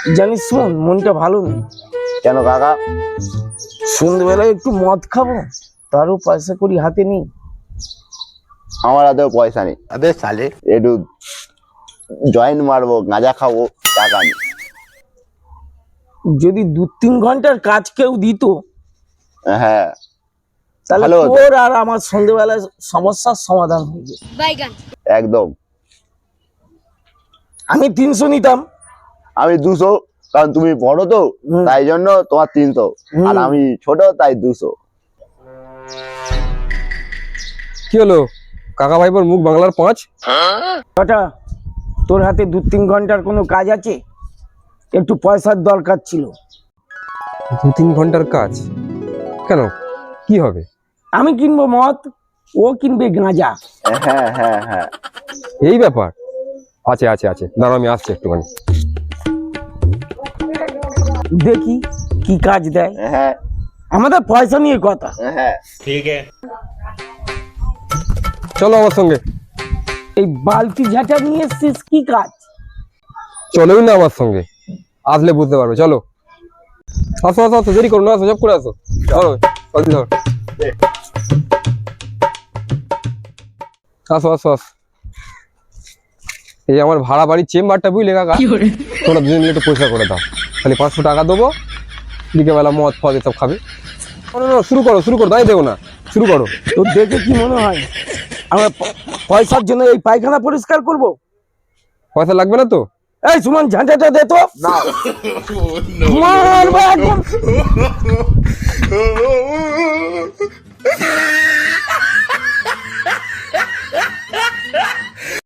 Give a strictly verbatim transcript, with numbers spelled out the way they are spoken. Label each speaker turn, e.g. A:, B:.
A: জানিস শোন, মনটা ভালো নেই।
B: কেন কাকা?
A: সন্ধ্যেবেলায় একটু মদ খাবো, তারও পয়সা করি হাতে নেই।
B: আমার হাতেও পয়সা নেই।
C: अबे साले
B: একটু জয়েন্ট মারবো, গাঁজা খাবো, টাকা নেই।
A: যদি দু তিন ঘন্টার কাজ কেউ দিত,
B: হ্যাঁ,
A: তাহলে
B: ভালো হতো।
A: তোর আর আমার সন্ধ্যেবেলায় সমস্যার সমাধান হয়ে যেত।
B: একদম।
A: আমি তিনশো নিতাম।
B: আমি দুশো, কারণ তুমি বড় তো,
A: হুম।
B: তাই জন্য তোমার তিনশো,
A: হুম।
B: আর আমি ছোট তাই দুশো।
D: কি হলো কাকা ভাইপোর মুখ বাংলার পাঁচ?
A: কটা তোর হাতে দু তিন ঘন্টার কোনো কাজ আছে? একটু পয়সার দরকার ছিল।
D: দু তিন ঘন্টার কাজ কেন, কি হবে?
A: আমি কিনবো মদ, ও কিনবে গাঁজা।
B: হ্যাঁ হ্যাঁ হ্যাঁ,
D: এই ব্যাপার আছে আছে আছে দাঁড়াও আমি আসছি একটুখানি।
A: দেখি কি কাজ দেয়।
B: হ্যাঁ
A: আমাদের পয়সা নিয়ে কথা।
B: হ্যাঁ।
D: চলো আমার সঙ্গে।
A: এই বালতি ঝাঁটা নিয়ে এসছিস, কি কাজ?
D: চলোই না আমার সঙ্গে, আসলে বুঝতে পারবে। চলো আসো আসো আসো, দেরি করো না, আসো সব করে আসো। চলো জলদি ধর, আসো আসো আসো। এই আমার ভাড়া বাড়ির চেম্বারটা বুঝলে কাকা, তোমরা দুজন মিলে একটু পয়সা করে দাও, খালি পাঁচশো টাকা দেবো, বিকেলবেলা মদ ফদ এসব খাবে। না, না, না, শুরু করো শুরু করো, দাঁড়িয়ে দেবো না, শুরু করো।
A: তোর দেখে কি মনে হয় আমরা প- পয়সার জন্য এই পায়খানা পরিষ্কার করব?
D: পয়সা লাগবে না তো?
A: এই সুমন, ঝাঁটাটা দে তো। মারবো একদম।